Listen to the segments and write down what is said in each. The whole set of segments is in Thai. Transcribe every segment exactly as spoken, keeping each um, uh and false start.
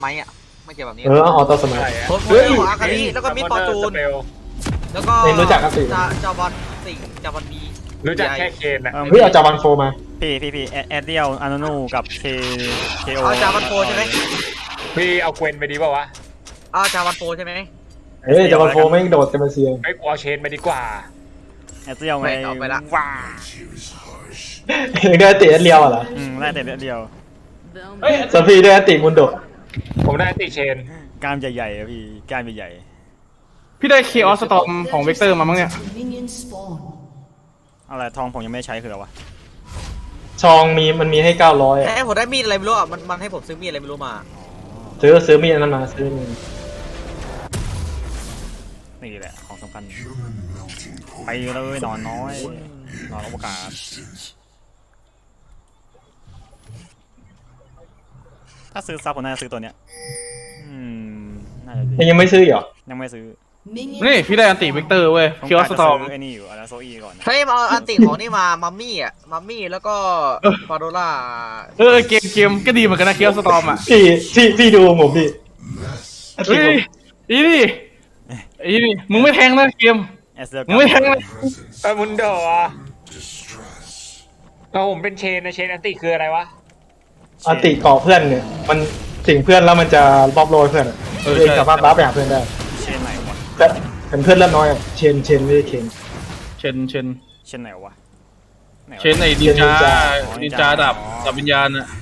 ไม้อะไม่เกี่ยวแบบนี้เออเอาต่อสมัยโคตรโคตรของอาคาริแล้วก็มิดฟอร์จูนแล้วก็เองรู้จักครับสิจาจาวันสิงจาวันบีรู้จักแค่เคนนะเฮ้ยเอาจาวันโฟมาพี่พี่พี่แอดเดียลอานูนูกับเคเคโอเอาจาวันโฟใช่ไหมพี่เอาเกวนไปดีป่าวะเอาจาวันโฟใช่ไหมเฮ้ยจาวันโฟไม่โดดจะมาเซียงไอ้กูเอาเชนไปดีกว่าแอดเดียลไงเอาไปละว้าเองได้ติเลียวเหรออืมได้แต่เดียวเฮ้ยสฟีได้ติมุนโดผมได้ติเชนกล้ามใหญ่ๆอะพี่กล้ามใหญ่พี่ได้เคออสสตอมของเวกเตอร์มามั้งเนี่ยๆอะไรทองผมยังไม่ได้ใช้คืออะไรวะชองมีมันมีให้เก้าร้อยให้ผมได้มีดอะไรไม่รู้อ่ะมันมันให้ผมซื้อมีดอะไรไม่รู้มาซื้อซื้อมีดนั้นมาซื้อมีดนี่แหละของสำคัญไปเลยนอนน้อยนอนอวกาศถ้าซื้อซับผมน่าจะซื้อตัวเนี้ยอืมน่าจะดีเองยังไม่ซื้อเหรอยังไม่ซื้อนี่พี่ได้อันติเวกเตอร์เว้ยผมเคออสสตอมจะซื้ไอ้นี่อยู่อาราโซอีก่อนนะเฮ้ยมาเอาอันติของนี่มามัมมี่อ่ะมัมมี่แล้วก็ฟาโดล่าเออเกมเกมก็ดีเหมือนกันนะเคออสสตอมอ่ะพี่พี่พี่ดูผมพี่เฮ้ยอีนี่อีนี่มึงไม่แทงนะเกมแอสเดียลมึงไม่แทงนะเออมุนโดอ่ะเอาผมเป็นเชนนะเชนอันติคืออะไรวะอาติเกาะเพื่อนเนี่ยมันสิ่งเพื่อนแล้วมันจะบอบโรยเพื่อนอะเองสามารถรับไปหาเพื่อนได้เชนไหนวะแต่เห็นเพื่อนเริ่มน้อยอะเชนเชนไม่ได้เชนเชนเชนเชนไหนวะไหนวะเชนไอ้ดินจาอ๋อดินจาดับดับวิญญาณอ่ะ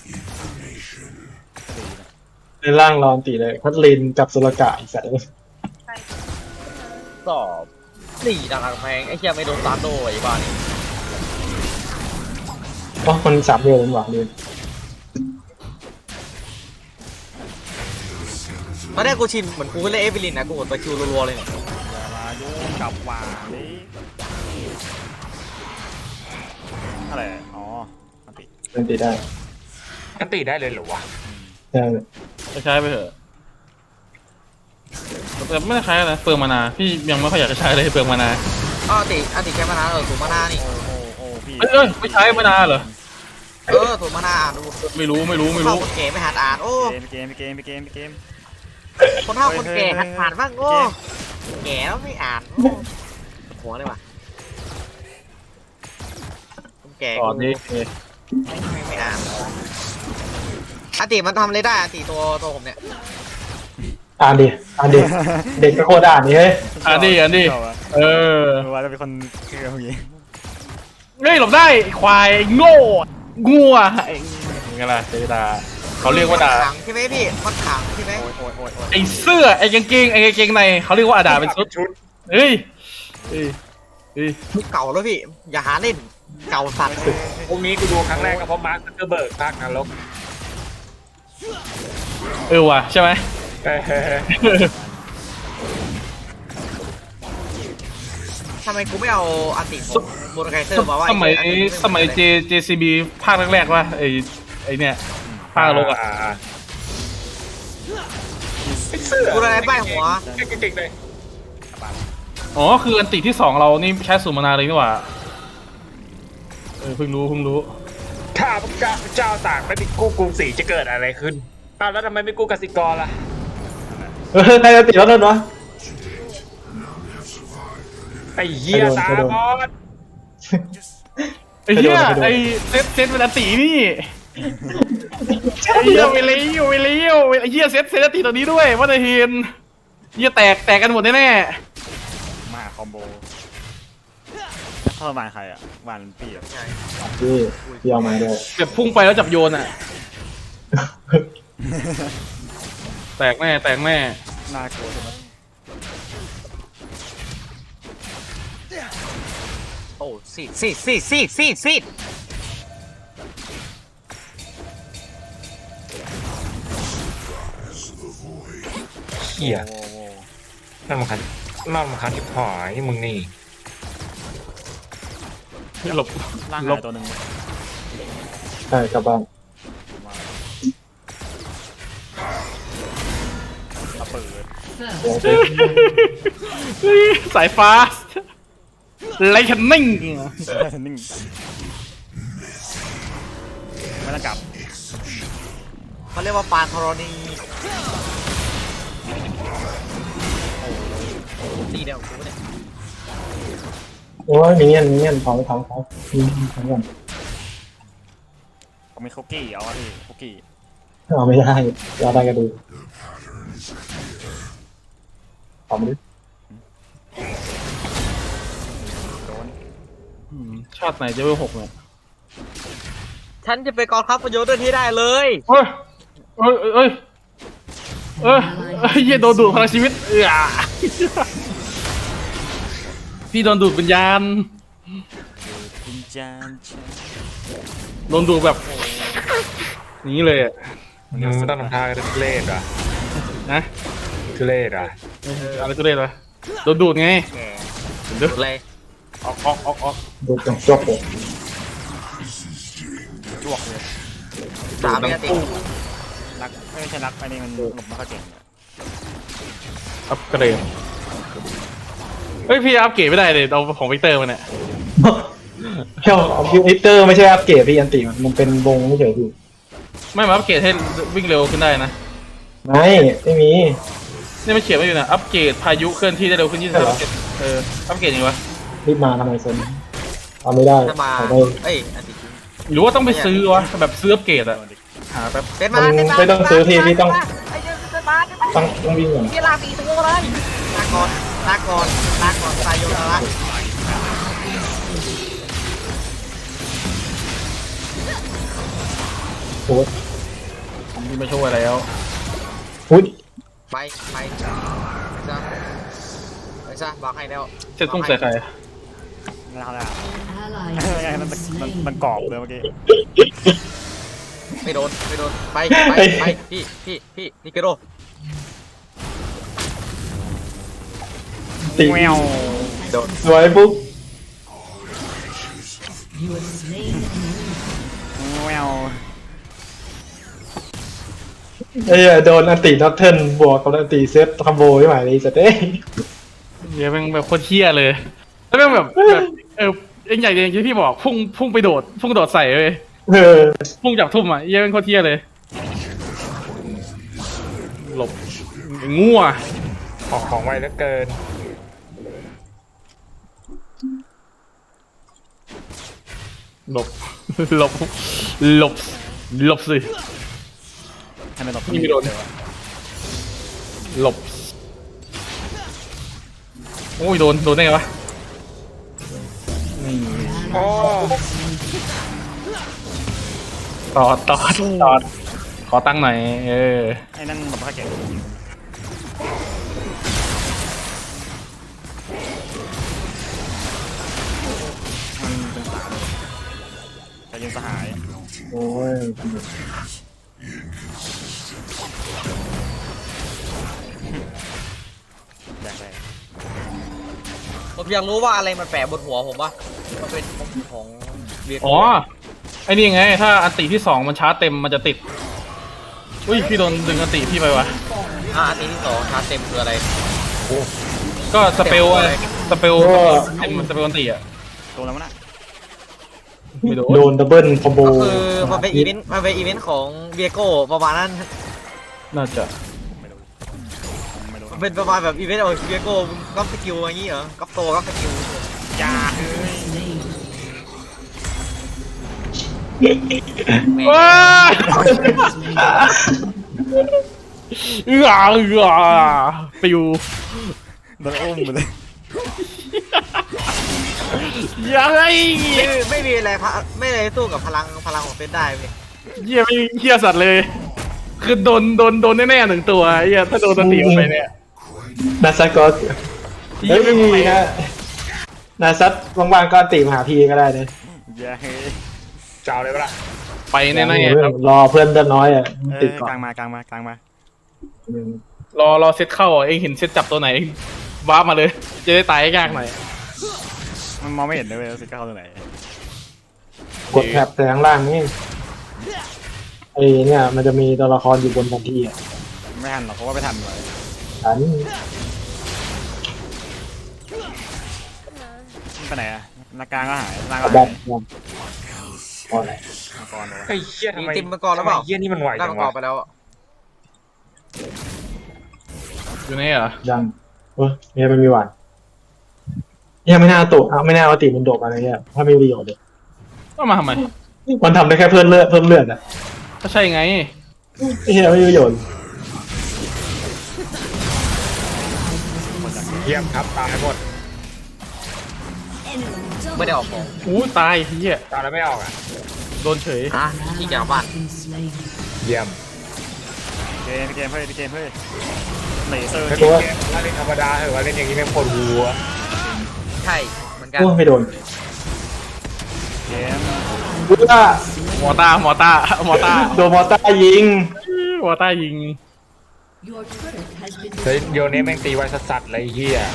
ในร่างรอนตีเลยพัดลินจับสุรกะอีกสัตว์สอบสี่ดังแพงไอ้เหี้ยไม่โดนตาโดไอ้บ้านี่เพราะมันสามเดียวมันหวังเลยตอนแรกกูชินเหมือนกูเล่นเอฟวิลินนะกูกดตะคิวรัวๆเลยเนี่ยมาโยงกับวาดิอะไรอ๋ออันติมันตีได้อันติได้เลยเหรอวะใช่ใช้ไปเถอะแต่ไม่ได้ใช้นะเปลืองมานาพี่ยังไม่ค่อยอยากจะใช้เลยเปลืองมานาอ้าวอันติอันติแค่มานาเออถูกมานานี่โอ้โอ้โอ้พี่เอ้ยเอ้ยไม่ใช้มานาเหรอเออถูกมานาอ่านดูไม่รู้ไม่รู้ไม่เข้ารู้คนแก่ไม่หัดอ่านโอ้เกมเกมเกมเกมเกมคนเฒ่าคนแก่หัดอ่านบ้างโอ้แก่แล้วไม่อ่านโอ้หัวเลยว่ะคนแก่ก่อนนี้ไม่ไม่ไม่อ่านอันติมันทำอะไรได้อันติตัวตัวผมเนี่ยอ่านดิอ่านดิเด็กก็โคตรอ่านนี่เฮ้ยอันนี้อันนี้เออว่าจะเป็นคนเกมอย่างงี้เฮ้ยหลบได้ไอ้ควายโง่งัวไอ้ไงล่ะเจดาเขาเรียกว่าด่ามันขังใช่ไหมพี่มันขังใช่ไหมโอ้ยโอ้ยโอ้ยโอ้ยไอ้เสื้อไอ้กางเกงไอ้กางเกงในเขาเรียกว่าอาดาเป็นชุดชุดเฮ้ยเฮ้ยเฮ้ยเก่าแล้วพี่อย่าหาเล่นเก่าสัตว์พวกนี้กูดูครั้งแรกก็เพราะมาร์คซักเกอร์เบิร์กภาคนรกเออว่ะใช่ไหมเออทำไมกูไม่เอาอันติของโมโนไกเซอร์มาว่าสมัยไอ้อันติสมัยเจเจซีบีภาคแรกๆว่าไอ้ไอ้เนี่ยภาคนรกอ่ะไอ้เสื้อกูอะไรป้ายหัวเก่งๆเลยอ๋อคืออันติที่สองเรานี่ใช้สูตรมานาเลยนี่หว่าเออเพิ่งรู้เพิ่งรู้ถ้าพระเจ้าเจ้าต่างไม่มีกู้กรุงศรีจะเกิดอะไรขึ้นอ้าวแล้วทำไมไม่กู้กสิกรล่ะเออใครจะติดแล้วนั่นวะไอ้เหี้ยตาบอดไอ้เหี้ยไอ้เซตเซตเป็นอันตินี่ไอ้เหี้ยไปเลี้ยวไปเลี้ยวไอ้เหี้ยเซตเซตอันติตัวนี้ด้วยว่าจะเห็นเหี้ยแตกแตกกันหมดแน่มาคอมโบเข้ามาใครอ่ะวานพี่อ่ะพี่พี่เอามาด้วยๆแบบพุ่งไปแล้วจับโยนอ่ะแตกแน่แตกแน่น่ากลัวใช่ไหมโอ้ซีดซีดซีดซีดซีดซีดเหี้ยโอ้โหน่ารำคาญน่ารำคาญที่หายมึงนี่หลบร่างหลหาบยตัวหนึ่งใช่กลับบ้านมาเปิดสายฟ้าไลท์คันนิ่งนิ่งไม่ต้องกลับทเขาเรียกว่าปานธรณีตีเดียวกูเนี่ยโอ้ยมีเงี้ยมีเงี้ยถอนถอนถอนมีถอนก่อนผมมีคุกกี้เอาดิคุกกี้เอาไม่ได้ยาได้ก็ดูถอนดิโดนอืมชาติไหนจะเป็นหกเนี่ยฉันจะไปกองทัพประโยชน์ด้วยที่ได้เลยเฮ้ยเอ้ยเอ้ยเอ้ยเอ้ยเหี้ยโดนดูดพลังชีวิตเออพี่โดนดูดวิญญาณพินจานชาโดนดูดแบบนี้เลยอะมึงต้องทำท่าทุเรศอ่ะนะทุเรศอ่ะอะไรก็ได้เลยโดนดูดไงแกเดี๋ยวเลยออกออกออกออกดูจังจบเลยจวกเลยสามไม่ติดนักไม่ใช่นักไอ้นี่มันหลบไม่ค่อยเก่งอัพเกรดเฮ้ยพี่อัพเกรดไม่ได้เลยเอาของวิกเตอร์มาเนี่ยเฮ้ยเอาคิวอิเตอร์ไม่ใช่อัปเกรดพี่อันติมันมันเป็นวงไม่เฉยพี่ไม่มาอัพเกรดให้วิ่งเร็วขึ้นได้นะไม่ไม่มีนี่มันเขียนไว้อยู่นะอัพเกรดพายุเคลื่อนที่ได้เร็วขึ้นยี่สิบเหรอเอออัพเกรดยังไงวะรีบมาทำไมเซนเอาไม่ได้ถ้ามาเอาได้เอ้ยอันติดหรือว่าต้องไปซื้อวะแบบซื้ออัพเกรดอะหาแป๊บเป็นมามันเป็นมาไม่ต้องซื้อพี่พี่ต้องไอ้เจ้าเป็นมาเป็นมาต้องต้องวิ่งก่อนพี่ลาตีตัวเลยลาก่อนลาก่อนลาก่อนตายโยนละโอ้ยผมมีมาช่วยแล้วอุ้ยไปไปซะไปซะบอกให้แล้วเซ็ตตุ้งใส่ใครไม่เอาแล้ว Ally มัน has มัน been มัน slain. กรอบเลยเมื่อกี้ไม่โดนไม่โดนไปไปไปพี่พี่พี่นิเกโรตีแมวโดนสวยปุ๊บ You have slain an enemy. แมวไอ้เหี้ยโดนอันติน็อตเทิร์นบวกกับอันติเซตคอมโบไม่ไหวเลยจะเด้เดี๋ยวเป็นแบบโคตรเที่ยเลยแล้วแม่งแบบแบบเออเอ็งใหญ่อย่างที่พี่บอกพุ่งพุ่งไปโดดพุ่งโดดใส่เลยเออพุ่งจับทุ่มอ่ะเหี้ยเป็นโคตรเที่ยเลยหลบงัวออกของไวเหลือเกินหลบ หลบหลบหลบสิให้มันหลบนี่ไม่โดน หลบโอ้ยโดนโดนได้ไงวะนี่โอ้ต่อต่อต่อขอตั้งค์หน่อยเออไอ้นั่นหลบไม่ค่อยเก่งมันเป็นสามแต่ยังสหายโอ้ยแดกเลยผมอยากรู้ว่าอะไรมันแปะบนหัวผมวะมันเป็นของเวียอ๋อไอ้นี่ไง ถ้าอันติที่สองมันชาร์จเต็มมันจะติดอุ้ยพี่โดนดึงอันติพี่ไปวะอ่ะอันนี้ที่สองชาร์จเต็มคืออะไรก็สเปลอะไรสเปลเต็มสเปลอันติอ่ะตัวแล้วมั้งน่ะไม่โดนโดนดับเบิลคอมโบก็คือมันเป็นอีเวนต์มันเป็นอีเวนต์ของเวียโก้ประมาณนั้นน่าจะไม่รู้ไม่รู้มันเป็นประมาณแบบอีเวนต์ของเวียโก้ก๊อปสกิลอย่างงี้เหรอก๊อปโตก๊อปสกิลยา Slain. ว้าเอือเอือปิวโดนอุ้มไปเลยยังไงไม่ไม่มีอะไรพะไม่อะไรสู้กับพลังพลังของเฟสได้เลยเหี้ยไม่เหี้ยสัตว์เลย คือโดนโดนโดนแน่ๆหนึ่งตัวเหี้ยถ้าโดนสติออกไปเนี่ยนาซัตก็เหี้เฮ้ยยไม่ไม่ไหวมีนะนาซัตว่างๆก็อันติมาหาพี่ก็ได้เลยยาเฮ้ยเจ้าเลยปะล่ะไปแน่ๆครับรอเพื่อนเดินน้อยอ่ะเอติดอก่อกลาน งมากลางมากลางมารอรอเซตเข้าอ่ะเองเห็นเซตจับตัวไหนเองวาร์ปมาเลย จะได้ตายยากหน่อยมันมองไม่เห็นเลยเว้ยสิเข้าตัวไหนกดแท็บแต่ข้างล่างนี่ไอ้เนี่ยมันจะมีตัวละครอยู่บนแผนที่อ่ะไม่ทันหรอกเพราะว่าไม่ทันเลยฉันไปไหนอะหน้ากลางก็หายล่างกก็ระบอหาก ยพอแล้วโอเคงกรเหรอวะไอ้เหี้ยทำไมตีมังกรแล้วเปล่าทำไมเหี้ยนี่มันไหวได้จัมังงกรวะไปแล้วอะอยู่นี่เหรอยังเออเนี่ยมันมีหวานเนี่ยไม่น่าเอาตุเอาไม่น่าเอาติมันโดดอะไรเงี้ยถ้าไม่มีประโยชน์เลยต้องมาทำไมมันทำได้แค่เพิ่มเลือดเพิ่มเลือดอ่ะก็ใช่ไงไอ้เหี้ยไม่มีประโยชน์เยี่ยมครับตายหมดไม่ได้ออกของอู้ตายเฮียตายแล้วไม่ออกอ่ะโดนเฉยอ่ะที่แกบ้าน Been slain. เยี่ยมเกมพี่เกมเฮ้ยพี่เกมเฮ้ยเลเซอร์ถ้าเกเล่นมเกมถ้าเล่นธรรมดาเหอะว่าเล่นอย่างนี้แม่งปวดหัวใช่เหมือนกันโอ้ไม่โดนเกมกูว่าหมอตาหมอตาหมอตาโดนมอเตอร์ยิงหมอตายิง Your turret has been เฮ้ยโยนนี้แม่งตีไว้สัสๆเลยไอ้เฮีย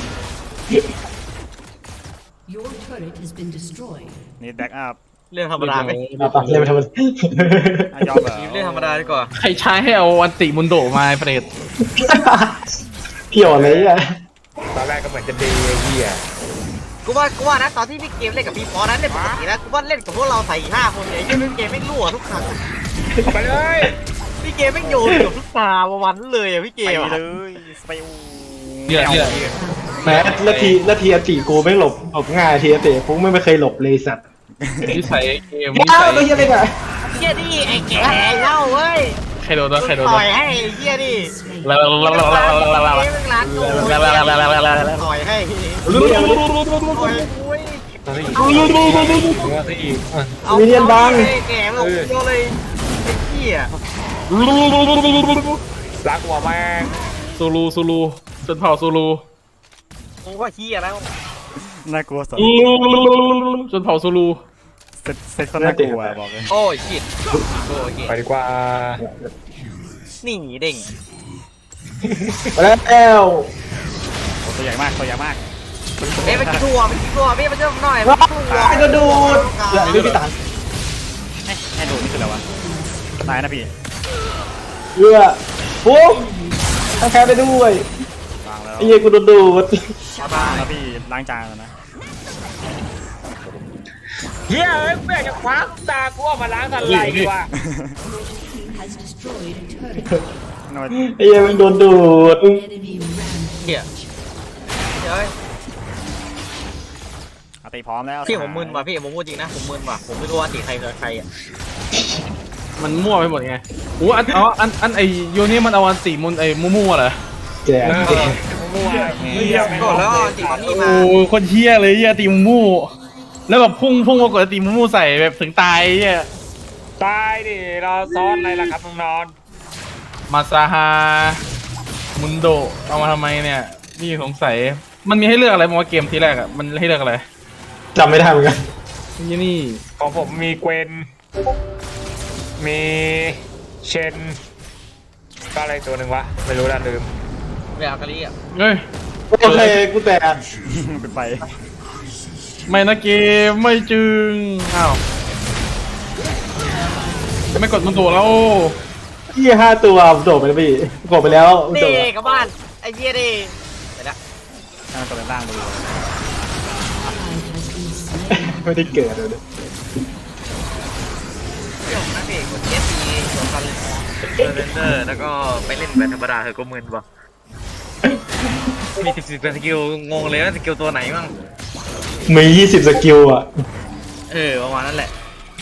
Your turret has been destroyed. นี่แบ็กอัพเรื่องธรรมดาไหมเอาปะเล่นไปทำไมยอมเหรอเรื่องธรรมดาดีกว่าใครใช้ให้เอาอันติมุนโดมาเปรตเพี่ยวเลยอ่ะตอนแรกก็เหมือนจะดีไอ้เฮียกูว่ากูว่านะตอนที่พี่เกมเล่นกับพี่ปอนั้นเล่นปกตินะกูว่าเล่นกับพวกเราใส่ห้าคนเนี่ยยังเกมไม่รั่วทุกครั้งเอาไปเลยพี่เกมไม่โยนเกือบทุกตาวันเลยอะพี่เกไปมอะเลยสเปลเนี่ยเนี่ยแม้ละทีละทีอติกูไม่หลบหลบง่ายทีอติกูไม่เคยหลบเลยสัตว์นิสัยเกมนิอ้าสัวย ตัวเหี้ยอะไรกันเฮียดิไอ้แก่เล่าเว้ยใครโดนวะใครโดนต่วะอยให้เฮียดิ Slain. ลาลาลาลาลาลาลาลาเกมร้านโง่ต่อยให้ต่อยโอ้ยตัวซะอีกตัวซะอีกเอาแก่ลงโยเลยไอ้เหี้ยรักหัวแม่งซูลูซูลูจนเผ่าซูลูกูว่าเหี้ยแล้วน่ากลัวสุดจนเผ่าซูลูเซ็ตเซ็ตเขาน่ากลัวบอกเลยโอ้ยชิดโอ้ยไปดีกว่านี่เด้งไปแล้วตัวใหญ่มากตัวใหญ่มากเอ้ยไปกินถั่วไปกินถั่วพี่มาเจอหน่อยว้ายกระโดดเหลือไม่กี่ตังค์ให้ให้ดูนี่คืออะไรวะตายนะพี่เยื่อปุ๊บทั้งแค่ไปด้วยวางแล้วไอ้เหี้ยกูโดนดูดบ้าแล้วพี่ล้างจานแล้วนะเฮียเอ้ยแม่งจะคว้าตากูออกมาล้างอะไรดีวะ Has destroyed a turret. นวดไอ้เหี้ยมันโดนดูด Enemy rampage. เหี้ยเฮ้ยอาติพร้อมแล้วพี่ผมมึนว่ะพี่ผมพูดจริงนะผมมึนว่ะผมไม่รู้ว่าตีใครคือใครอ่ะมันมั่วไปหมดไงโอ้อันอ๋ออันอันไอโยนี่มันเอาอันติมุนไอมูมูเหรอแกเออมั่วเฮียไม่ก็แล้วตีมันนี่มาโอ้คนเฮี้ยเลยเฮี้ยตีมูมูแล้วแบบพุ่งพุ่งมากดตีมูมูใส่แบบถึงตายเฮี้ยตายดิรอซ้อนอะไรล่ะครับน้องนอนมาซาฮามุนโดเอามาทำไมเนี่ยนี่สงสัยมันมีให้เลือกอะไรมอเกมทีแรกอ่ะมันให้เลือกอะไรจำไม่ได้เหมือนกันนี่นี่ของผมมีเกวนมีเชนก็อะไรตัวหนึ่งวะไม่รู้ละลืมเวลากะลี่อ่ะเฮ้ยโอเคกูแตกเป็นไปไม่นะเกมไม่จึงอ้าวไม่กดมุนโดแล้วยี่ห้าตัวโดดไปแล้วพี่กดไปแล้วโดนี่ดกับบ้านไอ้เหี้ยดิเดี๋ยวนะให้มันตัวเป็นร่างไปดู Ally has been slain. ไม่ได้เกิดเลยเรื่องนะพี่กดเอสซีตัวกันเลยเรนเดอร์แล้วก็ไปเล่นแบบธรรมดาเถอะก็มึนว่ะมีสิบสิบสกิลงงเลยว่าสกิลตัวไหนมั่งมียี่สิบสกิลอ่ะเออประมาณนั้นแหละ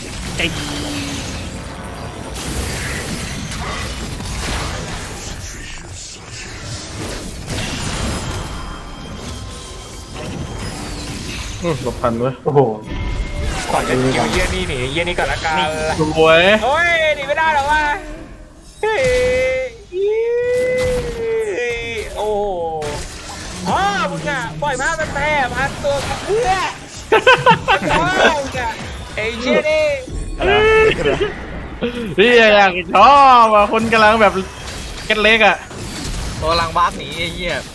อื้อหลบทันด้วยโอ้โหก่อนจะเกี่ยวเยี่ยนี่หนีเยี่ยนี่ก่อนละกันสวยโอ้ยหนีไม่ได้หรอวะเฮ้ยโอ้พ่อมึงอ่ะปล่อยภาพเป็นแพร่พันตัวกับเพื่อพ่อมึงอ่ะไอ้เชี่ยนี่อะไรวะนี่คืออะไรพี่อยากชอบอ่ะคนกำลังแบบเก็ตเล็กอ่ะตัวลังบาสหนีไอ้เหี้ย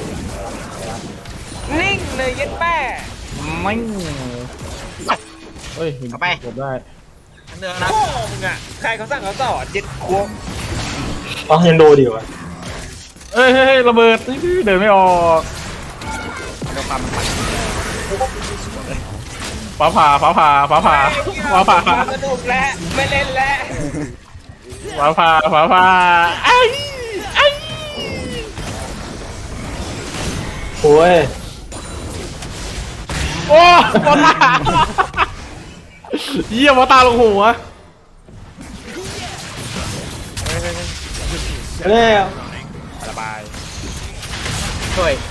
นิ่งเลยเย็นแม่ไม่เฮ้ยกดได้เนื้อนะพ่อมึงอ่ะใครเขาสั่งเขาสอนเจ็ดขวบอ๋อยังโดดอยู่อ่ะเอ้ยเฮ้ยระเบิดเดินไม่ออกเดี๋ยวความมันปั่นฟ้าผ่าฟ้าผ่าฟ้าผ่าฟ้าผ่าสนุกแล้วไม่เล่นแล้วฟ้าผ่าฟ้าผ่าไอ้ไอ้โอ้ยโอ้บอลตาเยี่ยมบอลตาลงหัวแล้วระบายช่วย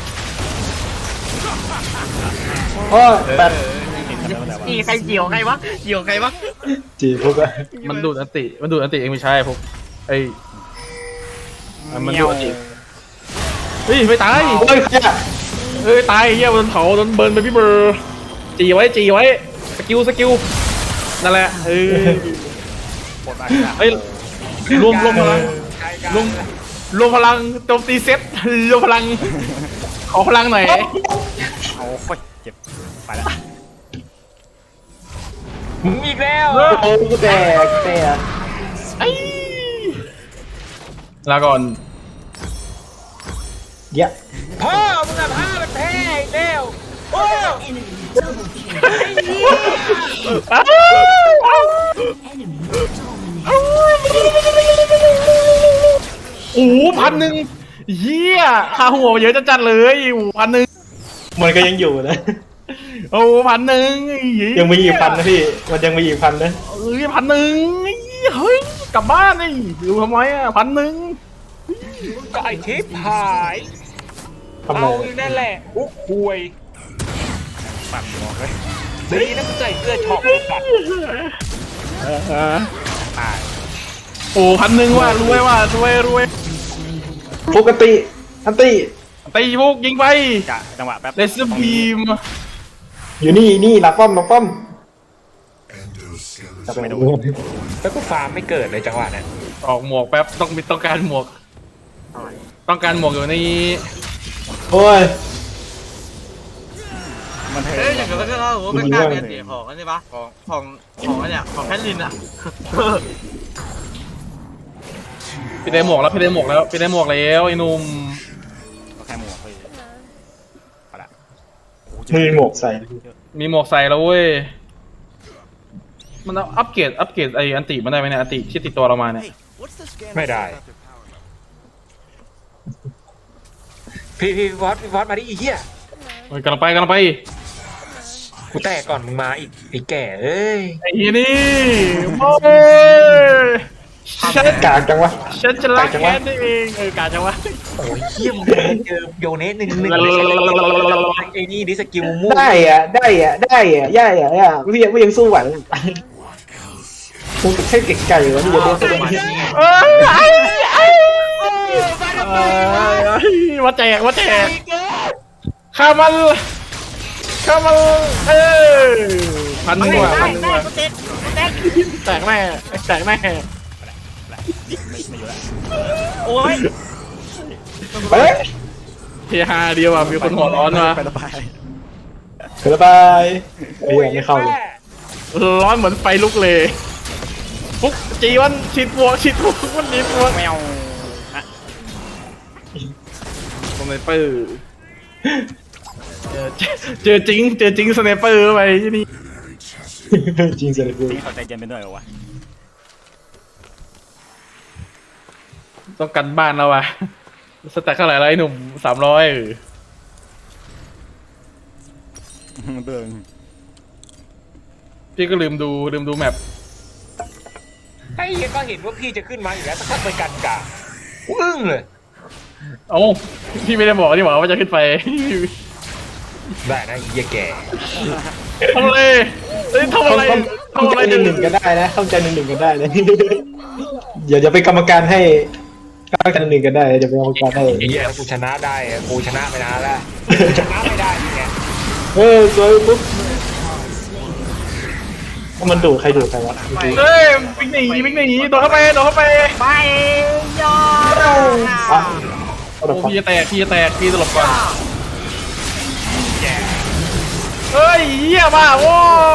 โอ้ยแปดนี่ใครเกี่ยวใครวะเกี่ยวใครวะจีพวกอะมันดูดอันติมันดูดอันติเองไม่ใช่พวกไอ้มันดูดอันติเฮ้ยไม่ตายโอ้ยใครอะเอ้ยตายเฮียโดนเผาโดนเบิร์นไปพี่เบอร์จีไว้จีไว้สกิลสกิลนั่นแหละเอ้ยปวดมากเฮ้ยรวมรวมพลังรวมรวมพลังโจมตีเซตรวมพลังขอพลังหน่อยเอาค่อยเจ็บไปแล้วมึงอีกแล้วโอ้ยแตกแตกไอ้ลาก่อนเยอะพ่อมึงอะพามันแพ้อีกแล้วโอ้ Enemy double kill. อ้าวอ้าว Enemy dominated. โอ้โหพันหนึ่งเยี่ยค่าหัวเยอะจัดๆเลยโอ้โหพันหนึ่งมันก็ยังอยู่นะโอ้โหพันหนึ่งเหี้ยังมีอีกพันนะพี่ มันยังมีอีกพันนะเอ้ยพันหนึ่งเฮ้ยกลับบ้านนี่ดูทำไมอ่ะพันหนึ่งก็ไอทิพหายทำไมเอาอยู่นั่นแหละอุ๊กคุยปั่นหมอกเลยดีนะมึงใส่เสื้อช็อปเลยสัตว์ตายโอ้พันหนึ่งว่ะรวยว่ะรวยรวยปกติอันตีตีพวกยิงไปกะจังหวะแป๊บเลสบีมอยู่นี่นี่หลักป้อมหลักป้อมจะไปดูแล้วก็ฟาร์มไม่เกิดเลยจังหวะนั้นออกหมวกแป๊บต้องมีต้องการหมวก ต้องการหมวกอยู่ในโอ้ยมันเทิเอ้ยงอย่างเงี้ยก็เราโอ้เป็นการเปลี่ยนเสียของอันนี้ปะของของของอันเนี้ยของแคทลินอ่ะพี่ได้หมวกแล้วพี่ได้หมวกแล้วพี่ได้หมวกแล้วไอ้หนุ่มก็แค่หมวกเลยไปละไม่มีหมวกใส่มีหมวกใส่แล้วเว้ยมันเอาอัปเกรดอัปเกรดไออันติมันได้ไหมเนี่ยอันติที่ติดตัวเรามาเนี่ยไม่ได้ พี่พี่วอสพี่วอสมาดิไอีเหี้ยเฮ้ยกำลังไปกำลังไปกูแตกก่อนมึงมาอีกไอ้แก่เอ้ยไอ้เหี้ยนี่โอ้ยฉันกากจังวะฉันจะรักแค่นี้เองเออกาจังวะโอ้ยเหี้ยมึงเจอโยเนสหนึ่งหนึ่งไอ้นี่ดิสกิลมุ่งได้อะได้อะได้อะย่าอะย่าพี่ยังพี่ยังสู้ไหวกูแค่เก่งไก่วะนี่จะโดนตัวนี้เอ้ยไอ้ไอ้มาแจกมาแจกข้ามันข้ามันเออพันหนึ่งว่ะพันหนึ่งว่ะแตกแม่แตกแม่โอ้ยไปเลยเฮฮาเดียวอ่ะมีคนหัวร้อนมาไประบายเกิดบายไอ้ยังไม่เข้าเลยร้อนเหมือนไฟลุกเลยปุ๊กจีวันฉีดพวกฉีดพวกวันนี้พวกแมวนะสไนเปอร์เจอเจอจริงเจอจริงสไนเปอร์ไปที่นี่จริงเสียเลยนี่เขาใจเย็นไปหน่อยเหรอวะต้องกันบ้านแล้วว่ะสแต็กเท่าไหร่แล้วไอ้หนุ่มสามร้อยเบิ่งพี่ก็ลืมดูลืมดูแมปไอ้เหี้ยก็เห็นว่าพี่จะขึ้นมาอยู่แล้วสักพักไปกันกาอึ้งเลยเอ้าพี่ไม่ได้บอกนี่หว่าว่าจะขึ้นไปได้นะไอ้เหี้ยแก่ทำอะไรเอ้ยทำอะไรเข้าทำใจอะไรหนึ่งหนึ่งกันได้นะเข้าใจหนึ่งหนึ่งกันได้นะอย่าอย่าเป็นกรรมการให้เข้าใจหนึ่งหนึ่งกันได้อย่าเป็นกรรมการให้ไอ้เหี้ยกูชนะได้อะกูชนะไปนานแล้วกูชนะไม่ได้ยังไงเออสวยปุ๊บมันดูใครดูใครวะเฮ้ยวิ่งหนีวิ่งหนีโดดเข้าไปโดดเข้าไปไปยออ่ะโอ้พี่จะแตกพี่จะแตกพี่ตลบก่อนเฮ้ยเหี้ยมากโว้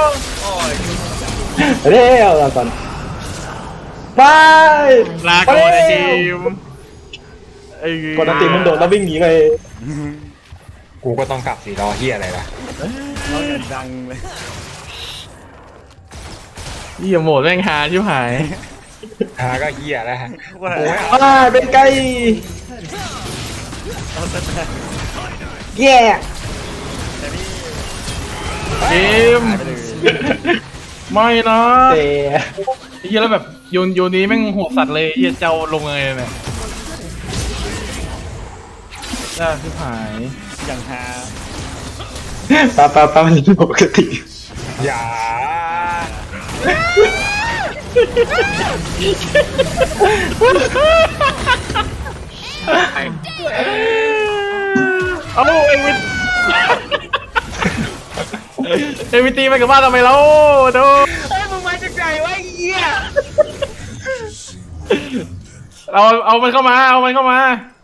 เร็วเราก่อนไปลาก่อนไอ้ทีมไอ้กดอันติมันโดดแล้ววิ่งหนีไปกูก็ต้องกลับสีรอเหี้ยอะไรล่ะร้องอย่างดังเลยเหี้ยโหมดแม่งฮาชิบหายหาก็เหี้ยแล้วฮะว่าอ่าเป็นไก่แย่เกมไม่นะเตะไอ้เหี้ยแล้วแบบโยนโยนนี้แม่งโหดสัตว์เลยไอ้เหี้ยเจ้าลงไงเนี่ยจ้าชิบหายอย่างฮาปะปะปะมันปกติอย่าเอาเอ็งวินเอ็งวินตีไปกับบ้านทำไมแล้วโดเฮ้ยมึงมาจากไหนวะไอ้เหี้ยเราเอามันเข้ามาเอามันเข้ามา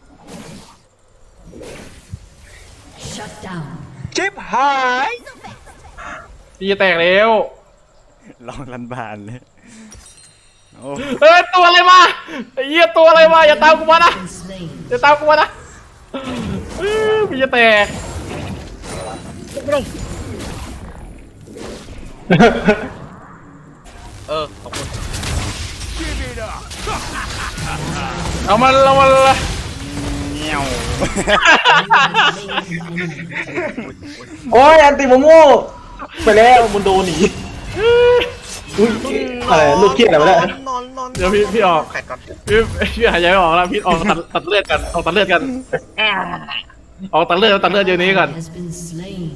Shut down. ชิบหายตีจะแตกแล้วลองรันบานเลยโอ้เอ้ยตัวอะไรมาไอ้เหี้ยตัวอะไรมาอย่าตามกูมานะ Been slain. อย่าตามกูมานะเอ้ยพี่จะแตกเออขอบคุณเอามันเอามันละเงี้ยวโอ้ยอันติโมโม่ไปแล้วมันโดนหนีอุ้ยอะไรลูกเกียร์อะไรวะเนี่ยนอนนอนเดี๋ยวพี่พี่ออกแข่งก่อนพี่พี่หายใจไม่ออกแล้วพี่ออกตัดตัดเลือดกันออกตัดเลือดกันออกตัดเลือดตัดเลือดเดี๋ยวนี้ก่อน Has been slain.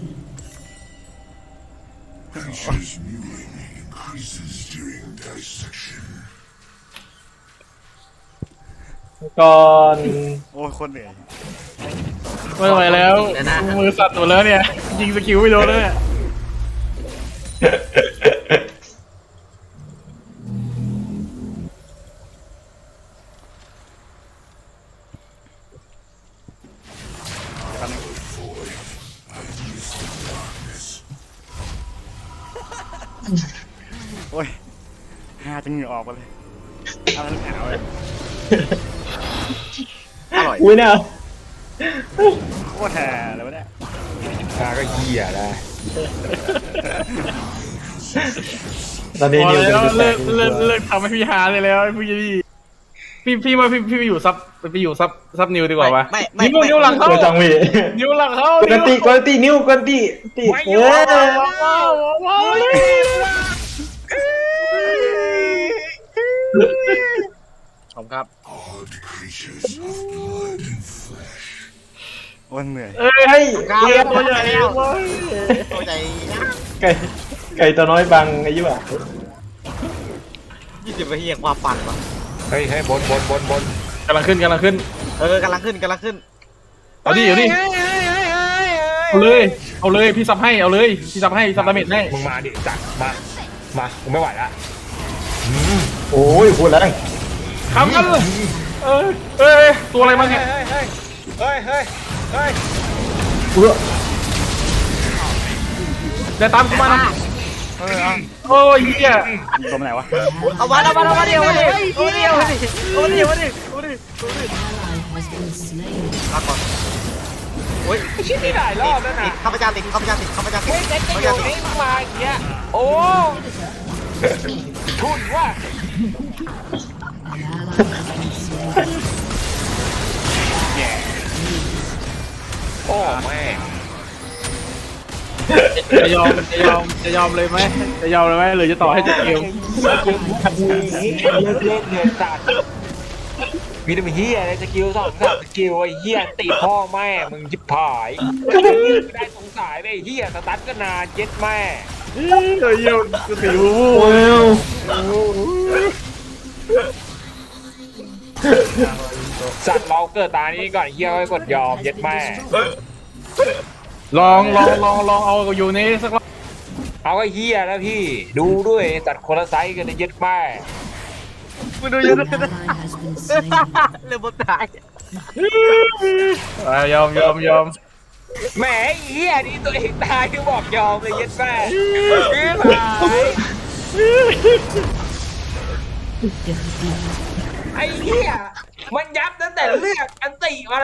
ก่อนโอ้ยโคนเหนื่อยไม่ไหวแล้วมือสั่นหมดแล้วเนี่ยยิงสกิลไม่โดนเลยเนี่ยโอ้ยฮาจนเหงื่อออกมาเลยเอาแล้วหนาวเลยอร่อยอุ้ยเนี่ยโคตรฮาเลยวะเนี่ยหาก็เหี้ยแล้วตอนนี้พอนิวแล้วเป็นเลิกจุดแตเลิกกเลิกทำให้พี่หาเลยแล้วพี่พี่พี่พี่ว่าพี่พี่ไปอยู่ซับไปอยู่ซับซับนิวดีกว่าวะไม่ไม่นิ้วนิ้วหลังเข้าเจอจังหวีนิ้วหลังเข้ากวนตีกวนตีนิ้วกวนตีตีเออว้าวว้าวขอบครับโอ้ยเหนื่อยเอ้ยเฮ้ยเกียตัวใหญ่เว้ยตัวใจไก่ไก่ตัวน้อยบังไอ้ยี่ห้อยี่สิบนาทีแห่งความปั่นวะเฮ้ยเฮ้ยบนบนบนบนกำลังขึ้นกำลังขึ้นเออกำลังขึ้นกำลังขึ้นเอาดิเอาดิเอาเลยเอาเลยพี่ซับให้เอาเลยพี่ซับให้ซับดาเมจให้มึงมาดิจัดมามากูไม่ไหวละโอ้ยพูดแล้วทำกันเลยเอ้ยเอ้ยตัวอะไรมาเนี่ยเฮ้ยเฮ้ยเฮ้ยเฮ้ยเฮ้ยเออเดี๋ยวตามกูมานะเออเอาโอ้ยเหี้ยตัวมันไหนวะเอามาเอามาเอามาเดียวมาเดียวมาเดียวมาเดียวมาเดียวมาเดียวมาเดียว Ally has been slain. ลาก่อนโอ้ยชิบไม่ได้รอบแล้วนะข้าพเจ้าติดข้าพเจ้าติดข้าพเจ้าติดเฮ้ยเซ็ตข้าพจะอเจ้ายู่ติดนี่มาอย่างเงี้ยโอ้ทุนว่า An ally has been slain. โอ้แม่งจะยอมจะยอมจะยอมเลยไหมจะยอมเลยไหมหรือจะต่อให้จบเกมเลิกเล่นเดือนสัตว์มีแต่เฮียอะไรสกิลสองสามสกิลไอ้เฮียตีพ่อแม่มึงจิบผายไม่ได้สงสัยไปเฮียสตันก็นานเย็ดแม่เฮ้ยเยี่ยมกูติวว้าวสัตว์เราเกิดตานี้ก่อนเฮียก็กดยอมเย็ดแม่ลองลองลองลองเอาอยู่ในสักรอบเอาไอ้เฮียแล้วพี่ดูด้วยสัตว์คนละไซส์กันนะเย็ดแม่มึงดูยัง An ally has been slain. เรื่องบนตายอ่ะยอมยอมยอมแหมไอ้เฮียนี่ตัวเองตายที่บอกยอมเลยเย็ดแม่ Defeat. ไอ้เฮียมันยับตั้งแต่เลือกอันติมา